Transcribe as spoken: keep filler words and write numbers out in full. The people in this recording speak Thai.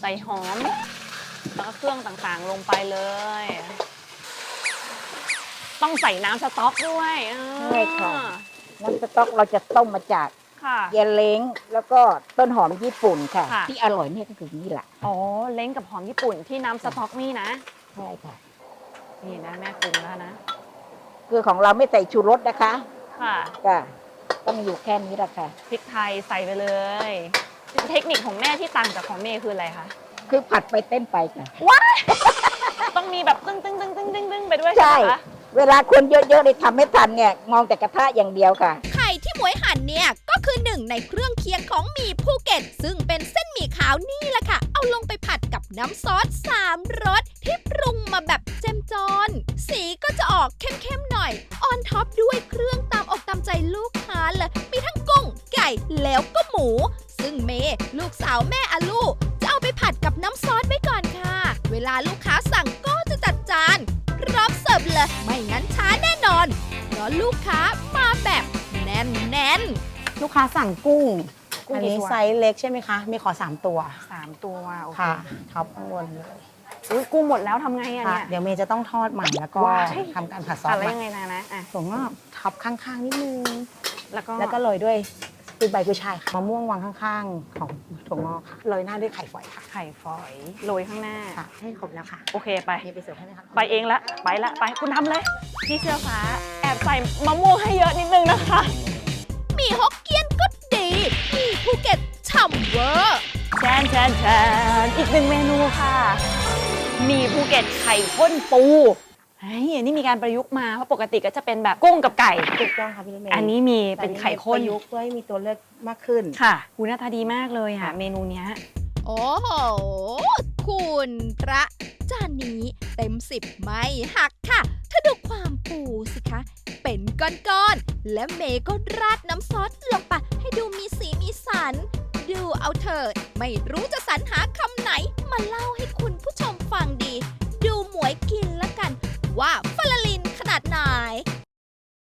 ใส่หอมแล้วก็เครื่องต่างๆลงไปเลยต้องใส่น้ำสต๊อกด้วยใช่ค่ะน้ำสต๊อกเราจะต้มมาจากเยลเล้งแล้วก็ต้นหอมญี่ปุ่นค่ะที่อร่อยเนี่ยก็คือนี่แหละอ๋อเล้งกับหอมญี่ปุ่นที่น้ำสต๊อกนี่นะใช่ค่ะนี่นะแม่ปรุงแล้วนะคือของเราไม่ใส่ชูรสนะคะค่ะก็ต้องอยู่แค่นี้แหละค่ะพริกไทยใส่ไปเลยเทคนิคของแม่ที่ต่างจากของเมย์คืออะไรคะคือผัดไปเต้นไปค่ะว้ายต้องมีแบบตึ้งตึ้งตึ้งตึ้งตึ้งตึ้งไปด้วยใช่ไหมคะเวลาคนเยอะๆเลยทำไม่ทันเนี่ยมองแต่กระทะอย่างเดียวค่ะไข่ที่หมวยหั่นเนี่ยก็คือหนึ่งในเครื่องเคียงของหมี่ภูเก็ตซึ่งเป็นเส้นหมี่ขาวนี่แหละค่ะเอาลงไปผัดกับน้ำซอสสามรสที่ปรุงมาแบบเจ้มจนสีก็จะออกเข้มๆหน่อยออนท็อปด้วยเครื่องตามอกตามใจลูกค้าเลยมีทั้งกุ้งไก่แล้วก็หมูซึ่งเมย์ลูกสาวแม่อาลูจะเอาไปผัดกับน้ำซอสไว้ก่อนค่ะเวลาลูกค้าสั่งก็จะจัดจานพร้อมเสิร์ฟเลยไม่งั้นช้าแน่นอนเพราะลูกค้ามาแบบแน่นๆลูกค้าสั่งกุ้งอันนี้ไซส์เล็กใช่ไหมคะมีขอสามตัวสามตัวโอเคค่ะท็อปข้างบนเลยอุ้ยกุ้งหมดแล้วทำไงอะเนี่ยเดี๋ยวเมย์จะต้องทอดใหม่แล้วก็ทำการผัดซอสอะไรยังไงนะนะถั่วงอกท็อปข้างๆนิดนึงแล้วก็แล้วก็โรยด้วยกุยใบกุยช่ายค่ะมะม่วงวางข้างๆของถั่วงอกค่ะโรยหน้าด้วยไข่ฝอยค่ะไข่ฝอยโรยข้างหน้าค่ะให้ครบแล้วค่ะโอเคไปไปเสิร์ฟให้ไหมคะไปเองละไปละไปคุณทำเลยพี่เสื้อฟ้าแอบใส่มะม่วงให้เยอะนิดนึงนะคะหมี่ฮกเกี้ยนก็ดีหมี่ภูเก็ตฉ่ำเวอร์แชนแชนแชนอีกหนึ่งเมนูค่ะหมี่ภูเก็ตไข่ข้นปูเฮ้ยอันนี้มีการประยุกต์มาเพราะปกติก็จะเป็นแบบกุ้งกับไก่ถูกต้องค่ะพี่เมย์อันนี้มีเป็นไข่ข้นประยุกต์เพื่อให้มีตัวเลือกมากขึ้นค่ะหูหน้าตาดีมากเลยค่ะเมนูเนี้ยโอ้โหคุณพระจานนี้เต็มสิบไม่หักค่ะถ้าดูความปูสิคะเป็นก้อนๆและเมย์ก็ราดน้ำซอสลงไปให้ดูมีสีมีสันดูเอาเถิดไม่รู้จะสรรหาคำไหนมาเล่าให้